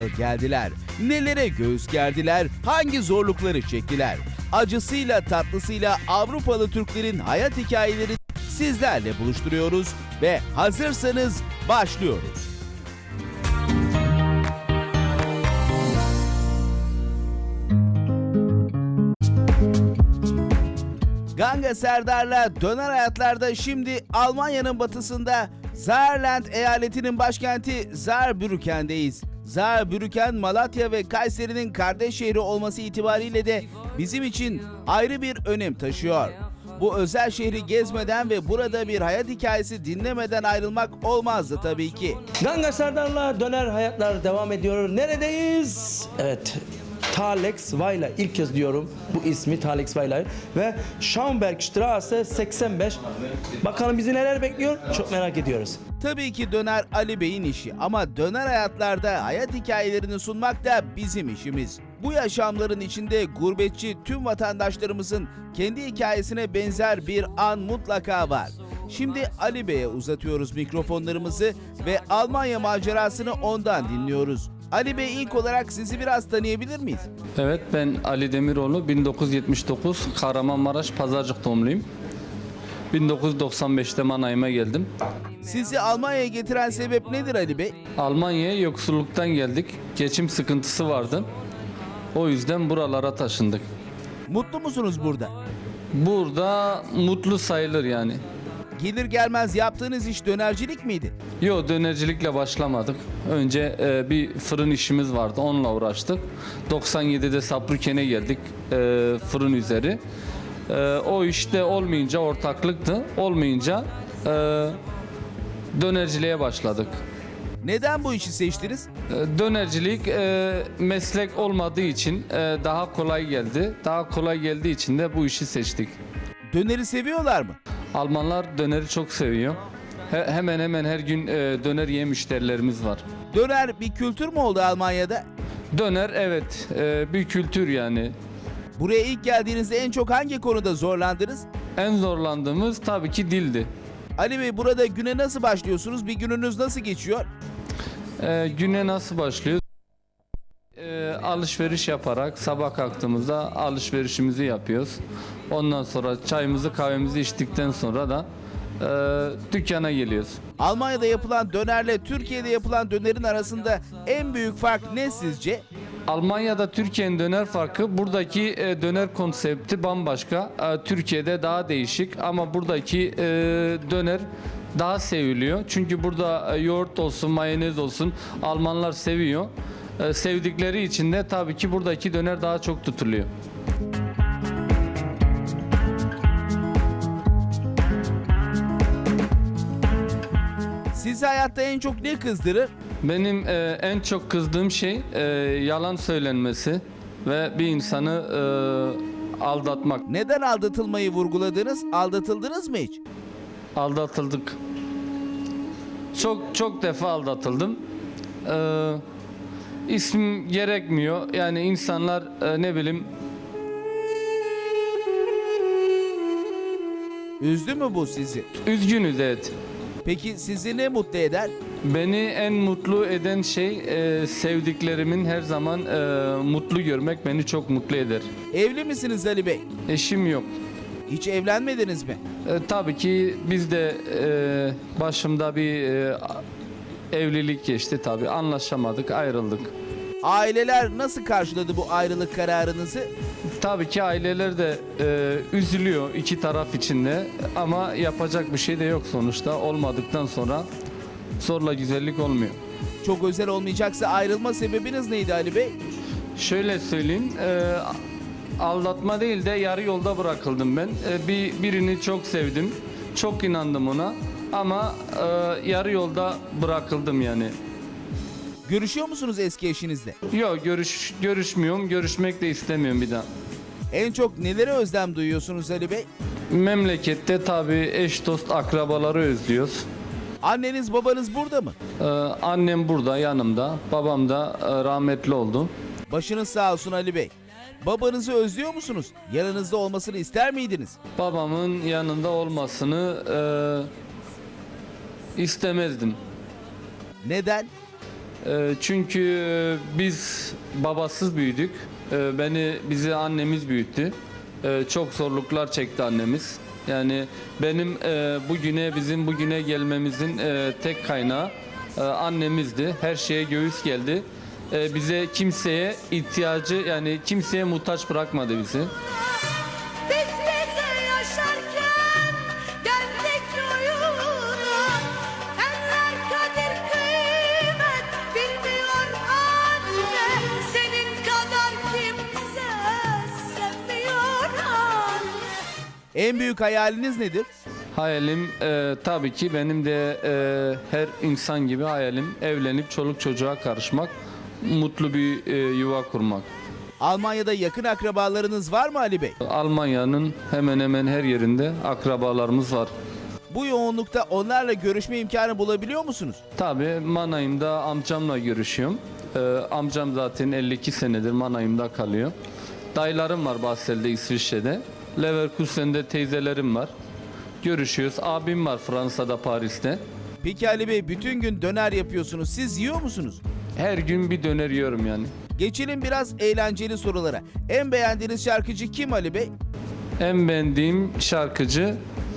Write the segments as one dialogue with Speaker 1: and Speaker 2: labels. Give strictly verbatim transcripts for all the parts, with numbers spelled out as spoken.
Speaker 1: geldiler. Nelere göğüs gerdiler, hangi zorlukları çektiler. Acısıyla tatlısıyla Avrupalı Türklerin hayat hikayeleri sizlerle buluşturuyoruz ve hazırsanız başlıyoruz. Ganga Serdar'la Döner Hayatlar'da şimdi Almanya'nın batısında Saarland eyaletinin başkenti Saarbrücken'deyiz. Saarbrücken, Malatya ve Kayseri'nin kardeş şehri olması itibariyle de bizim için ayrı bir önem taşıyor. Bu özel şehri gezmeden ve burada bir hayat hikayesi dinlemeden ayrılmak olmazdı tabii ki.
Speaker 2: Ganga Serdar'la Döner Hayatlar devam ediyor. Neredeyiz? Evet. Thalexweiler, ilk kez diyorum bu ismi Thalexweiler ve Schaumbergstraße seksen beş. Bakalım bizi neler bekliyor? Çok merak ediyoruz.
Speaker 1: Tabii ki döner Ali Bey'in işi ama Döner Hayatlar'da hayat hikayelerini sunmak da bizim işimiz. Bu yaşamların içinde gurbetçi tüm vatandaşlarımızın kendi hikayesine benzer bir an mutlaka var. Şimdi Ali Bey'e uzatıyoruz mikrofonlarımızı ve Almanya macerasını ondan dinliyoruz. Ali Bey, ilk olarak sizi biraz tanıyabilir miyiz?
Speaker 3: Evet, ben Ali Demiroğlu, bin dokuz yüz yetmiş dokuz Kahramanmaraş Pazarcık doğumluyum. bin dokuz yüz doksan beşte Mannheim'a geldim.
Speaker 1: Sizi Almanya'ya getiren sebep nedir Ali Bey?
Speaker 3: Almanya'ya yoksulluktan geldik. Geçim sıkıntısı vardı. O yüzden buralara taşındık.
Speaker 1: Mutlu musunuz burada?
Speaker 3: Burada mutlu sayılır yani.
Speaker 1: Gelir gelmez yaptığınız iş dönercilik miydi?
Speaker 3: Yo, dönercilikle başlamadık. Önce e, bir fırın işimiz vardı, onunla uğraştık. doksan yedide Saarbrücken'e geldik, e, fırın üzeri. E, o işte olmayınca, ortaklıktı, olmayınca e, dönerciliğe başladık.
Speaker 1: Neden bu işi seçtiniz?
Speaker 3: E, dönercilik e, meslek olmadığı için e, daha kolay geldi. Daha kolay geldiği için de bu işi seçtik.
Speaker 1: Döneri seviyorlar mı?
Speaker 3: Almanlar döneri çok seviyor. He, hemen hemen her gün e, döner yiyen müşterilerimiz var.
Speaker 1: Döner bir kültür mü oldu Almanya'da?
Speaker 3: Döner evet, e, bir kültür yani.
Speaker 1: Buraya ilk geldiğinizde en çok hangi konuda zorlandınız?
Speaker 3: En zorlandığımız tabii ki dildi.
Speaker 1: Ali Bey, burada güne nasıl başlıyorsunuz? Bir gününüz nasıl geçiyor?
Speaker 3: E, güne nasıl başlıyor? E, alışveriş yaparak sabah kalktığımızda alışverişimizi yapıyoruz. Ondan sonra çayımızı kahvemizi içtikten sonra da e, dükkana geliyoruz.
Speaker 1: Almanya'da yapılan dönerle Türkiye'de yapılan dönerin arasında en büyük fark ne sizce?
Speaker 3: Almanya'da Türkiye'nin döner farkı, buradaki e, döner konsepti bambaşka. E, Türkiye'de daha değişik ama buradaki e, döner daha seviliyor. Çünkü burada e, yoğurt olsun, mayonez olsun Almanlar seviyor. E, sevdikleri için de tabii ki buradaki döner daha çok tutuluyor.
Speaker 1: Sizi hayatta en çok ne kızdırır?
Speaker 3: Benim e, en çok kızdığım şey e, yalan söylenmesi ve bir insanı e, aldatmak.
Speaker 1: Neden aldatılmayı vurguladınız? Aldatıldınız mı hiç?
Speaker 3: Aldatıldık. Çok çok defa aldatıldım. Ee, ismim gerekmiyor. Yani insanlar e, ne bileyim.
Speaker 1: Üzdü mü bu sizi?
Speaker 3: Üzgünüz evet.
Speaker 1: Peki sizi ne mutlu eder?
Speaker 3: Beni en mutlu eden şey e, sevdiklerimin her zaman e, mutlu görmek beni çok mutlu eder.
Speaker 1: Evli misiniz Ali Bey?
Speaker 3: Eşim yok.
Speaker 1: Hiç evlenmediniz mi?
Speaker 3: E, tabii ki biz de e, başımda bir e, evlilik geçti tabii. Anlaşamadık, ayrıldık.
Speaker 1: Aileler nasıl karşıladı bu ayrılık kararınızı?
Speaker 3: Tabii ki aileler de e, üzülüyor iki taraf içinde ama yapacak bir şey de yok sonuçta. Olmadıktan sonra zorla güzellik olmuyor.
Speaker 1: Çok özel olmayacaksa ayrılma sebebiniz neydi Ali Bey?
Speaker 3: Şöyle söyleyeyim, e, aldatma değil de yarı yolda bırakıldım ben. E, bir birini çok sevdim, çok inandım ona ama e, yarı yolda bırakıldım yani.
Speaker 1: Görüşüyor musunuz eski eşinizle?
Speaker 3: Yok, görüş görüşmüyorum, görüşmek de istemiyorum bir daha.
Speaker 1: En çok nelere özlem duyuyorsunuz Ali Bey?
Speaker 3: Memlekette tabii eş dost akrabaları özlüyoruz.
Speaker 1: Anneniz babanız burada mı?
Speaker 3: Ee, annem burada yanımda, babam da e, rahmetli oldu.
Speaker 1: Başınız sağ olsun Ali Bey. Babanızı özlüyor musunuz? Yanınızda olmasını ister miydiniz?
Speaker 3: Babamın yanında olmasını e, istemezdim.
Speaker 1: Neden?
Speaker 3: E, çünkü e, biz babasız büyüdük. E, beni bizi annemiz büyüttü. E, çok zorluklar çekti annemiz. Yani benim e, bugüne bizim bugüne gelmemizin e, tek kaynağı e, annemizdi. Her şeye göğüs geldi. E, bize kimseye ihtiyacı yani kimseye muhtaç bırakmadı bizi.
Speaker 4: Biz bize yaşarken geldik oyuna. Eller kadir kıymet bilmiyor anne. Senin kadar kimse sevmiyor anne.
Speaker 1: En büyük hayaliniz nedir?
Speaker 3: Hayalim e, tabii ki benim de e, her insan gibi hayalim evlenip çoluk çocuğa karışmak, mutlu bir e, yuva kurmak.
Speaker 1: Almanya'da yakın akrabalarınız var mı Ali Bey?
Speaker 3: Almanya'nın hemen hemen her yerinde akrabalarımız var.
Speaker 1: Bu yoğunlukta onlarla görüşme imkanı bulabiliyor musunuz?
Speaker 3: Tabii Mannheim'da amcamla görüşüyorum. E, amcam zaten elli iki senedir Mannheim'da kalıyor. Dayılarım var Basel'de, İsviçre'de. Leverkusen'de teyzelerim var. Görüşüyoruz. Abim var Fransa'da, Paris'te.
Speaker 1: Peki Ali Bey, bütün gün döner yapıyorsunuz. Siz yiyor musunuz?
Speaker 3: Her gün bir döner yiyorum yani.
Speaker 1: Geçelim biraz eğlenceli sorulara. En beğendiğiniz şarkıcı kim Ali Bey?
Speaker 3: En beğendiğim şarkıcı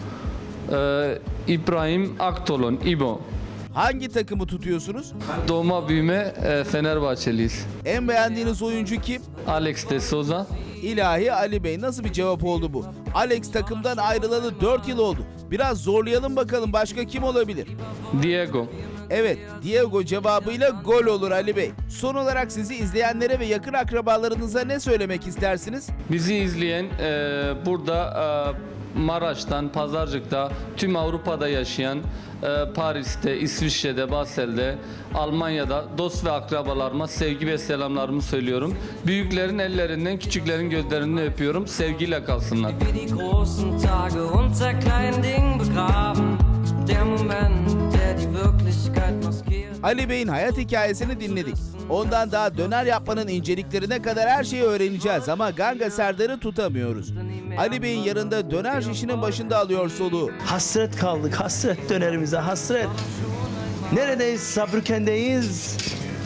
Speaker 3: e, İbrahim Aktolon, İbo.
Speaker 1: Hangi takımı tutuyorsunuz?
Speaker 3: Doğma büyüme e, Fenerbahçeliyiz.
Speaker 1: En beğendiğiniz oyuncu kim?
Speaker 3: Alex de Souza.
Speaker 1: İlahi Ali Bey, nasıl bir cevap oldu bu? Alex takımdan ayrılalı dört yıl oldu. Biraz zorlayalım bakalım, başka kim olabilir?
Speaker 3: Diego.
Speaker 1: Evet, Diego cevabıyla gol olur Ali Bey. Son olarak sizi izleyenlere ve yakın akrabalarınıza ne söylemek istersiniz?
Speaker 3: Bizi izleyen e, burada e, Maraş'tan, Pazarcık'ta, tüm Avrupa'da yaşayan, e, Paris'te, İsviçre'de, Basel'de, Almanya'da dost ve akrabalarıma sevgi ve selamlarımı söylüyorum. Büyüklerin ellerinden, küçüklerin gözlerinden öpüyorum. Sevgiyle kalsınlar.
Speaker 5: Wie die großen Tage unter kleinen Dingen begraben. Der Moment, der die Wirklichkeit maskiert.
Speaker 1: Ali Bey'in hayat hikayesini dinledik. Ondan daha döner yapmanın inceliklerine kadar her şeyi öğreneceğiz ama Ganga Serdar'ı tutamıyoruz. Ali Bey'in yanında döner şişinin başında alıyor soluğu.
Speaker 2: Hasret kaldık, hasret dönerimize, hasret. Neredeyiz? Sabrükent'teyiz.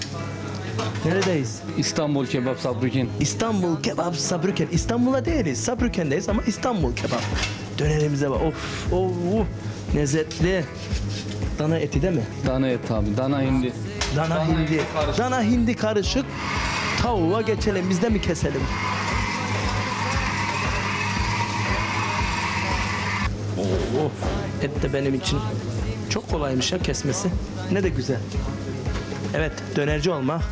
Speaker 2: Neredeyiz?
Speaker 3: İstanbul Kebap Sabrüken.
Speaker 2: İstanbul Kebap Sabrüken. İstanbul'da değiliz, Sabrükent'teyiz ama İstanbul Kebap. Dönerimize bak, of, of, of. Lezzetli. Dana eti değil mi?
Speaker 3: Dana et abi, dana hindi.
Speaker 2: Dana hindi.
Speaker 3: karışık.
Speaker 2: Dana hindi karışık. Tavuğa geçelim, biz de mi keselim? Oh, et de benim için çok kolaymış ya kesmesi. Ne de güzel. Evet, dönerci olmak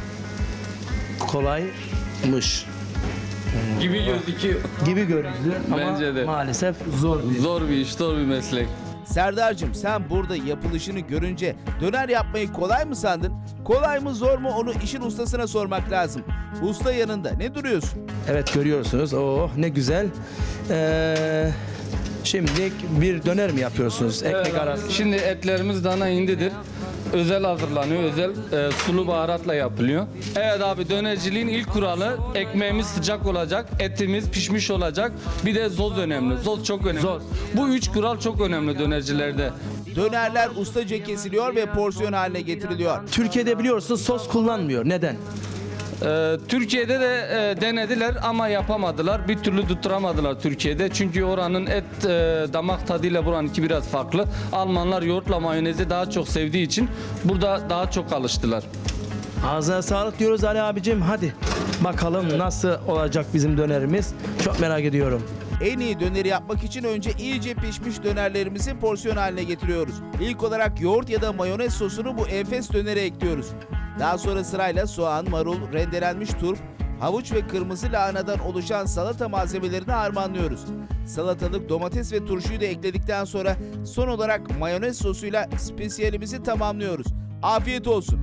Speaker 2: kolaymış
Speaker 3: Gibi gözüküyor.
Speaker 2: gibi göründü ama
Speaker 3: Bence de.
Speaker 2: maalesef zor bir.
Speaker 3: Zor bir iş, zor bir meslek.
Speaker 1: Serdar'cığım, sen burada yapılışını görünce döner yapmayı kolay mı sandın? Kolay mı zor mu, onu işin ustasına sormak lazım. Usta yanında, ne duruyorsun?
Speaker 2: Evet, görüyorsunuz. Oh, ne güzel. Ee, şimdi bir döner mi yapıyorsunuz? Ekmek
Speaker 3: Evet,
Speaker 2: arası.
Speaker 3: şimdi etlerimiz dana hindidir. Özel hazırlanıyor, özel e, sulu baharatla yapılıyor. Evet abi, dönerciliğin ilk kuralı ekmeğimiz sıcak olacak, etimiz pişmiş olacak. Bir de zoz önemli, zoz çok önemli.
Speaker 2: Zoz.
Speaker 3: Bu üç kural çok önemli dönercilerde.
Speaker 1: Dönerler ustaca kesiliyor ve porsiyon haline getiriliyor.
Speaker 2: Türkiye'de biliyorsunuz sos kullanmıyor. Neden?
Speaker 3: E, Türkiye'de de e, denediler ama yapamadılar. Bir türlü tutturamadılar Türkiye'de. Çünkü oranın et e, damak tadıyla buranınki biraz farklı. Almanlar yoğurtla mayonezi daha çok sevdiği için burada daha çok alıştılar.
Speaker 2: Ağzına sağlık diyoruz Ali abicim. Hadi bakalım nasıl olacak bizim dönerimiz. Çok merak ediyorum.
Speaker 1: En iyi döneri yapmak için önce iyice pişmiş dönerlerimizi porsiyon haline getiriyoruz. İlk olarak yoğurt ya da mayonez sosunu bu enfes dönere ekliyoruz. Daha sonra sırayla soğan, marul, rendelenmiş turp, havuç ve kırmızı lahanadan oluşan salata malzemelerini harmanlıyoruz. Salatalık, domates ve turşuyu da ekledikten sonra son olarak mayonez sosuyla spesiyelimizi tamamlıyoruz. Afiyet olsun.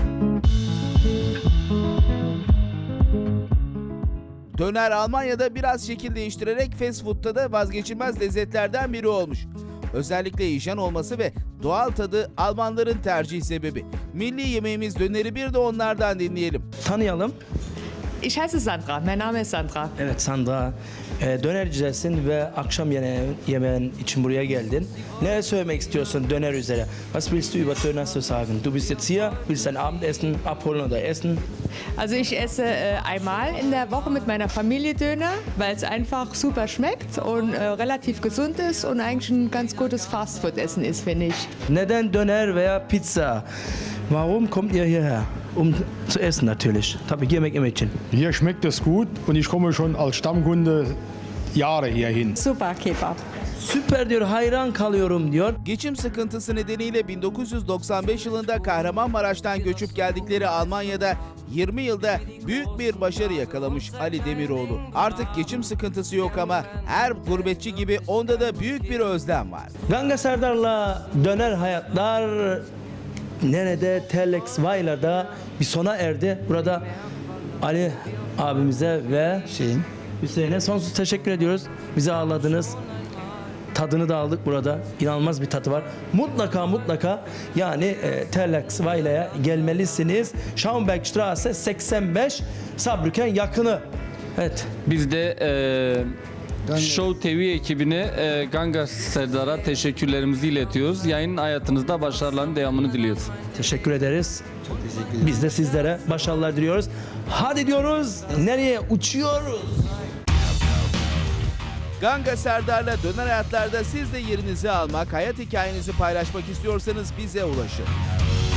Speaker 1: Döner Almanya'da biraz şekil değiştirerek fast food'ta da vazgeçilmez lezzetlerden biri olmuş. Özellikle hijyen olması ve doğal tadı Almanların tercih sebebi. Milli yemeğimiz döneri, bir de onlardan dinleyelim.
Speaker 2: Tanıyalım.
Speaker 6: Ich heiße Sandra, mein Name ist Sandra.
Speaker 2: Evet Sandra, e, dönercidesin ve akşam yemeği, yemeğin için buraya geldin. Ne söylemek istiyorsun döner üzere? Was willst du über Döner zu sagen? Du bist jetzt hier, willst dein Abendessen abholen oder essen?
Speaker 6: Also ich esse äh, einmal in der Woche mit meiner Familie Döner, weil es einfach super schmeckt und äh, relativ gesund ist und eigentlich ein ganz gutes Fastfood-Essen ist, finde ich.
Speaker 2: Neden döner veya pizza? Warum kommt ihr hierher? Um zu essen natürlich. Tabii ki yemek yemek için.
Speaker 7: Hier schmeckt es gut und ich komme schon als Stammkunde Jahre hierhin.
Speaker 8: Super Kebab.
Speaker 2: Süper diyor, hayran kalıyorum diyor.
Speaker 1: Geçim sıkıntısı nedeniyle bin dokuz yüz doksan beş yılında Kahramanmaraş'tan göçüp geldikleri Almanya'da yirmi yılda büyük bir başarı yakalamış Ali Demiroğlu. Artık geçim sıkıntısı yok ama her gurbetçi gibi onda da büyük bir özlem var.
Speaker 2: Ganga Serdar'la Döner Hayatlar nerede? Telex Vaylar'da bir sona erdi. Burada Ali abimize ve
Speaker 9: Hüseyin.
Speaker 2: Hüseyin'e sonsuz teşekkür ediyoruz. Bizi ağırladınız. Tadını da aldık burada. İnanılmaz bir tadı var. Mutlaka mutlaka yani e, Telex Vaylar'a gelmelisiniz. Schaumbergstraße seksen beş Saarbrücken yakını. Evet.
Speaker 3: Biz de e, Show T V ekibine e, Ganga Serdar'a teşekkürlerimizi iletiyoruz. Yayın hayatınızda başarıların devamını diliyoruz.
Speaker 2: Teşekkür ederiz. Biz de sizlere başarılar diliyoruz. Hadi diyoruz. Nereye? Uçuyoruz.
Speaker 1: Ganga Serdar'la Döner Hayatlar'da siz de yerinizi almak, hayat hikayenizi paylaşmak istiyorsanız bize ulaşın.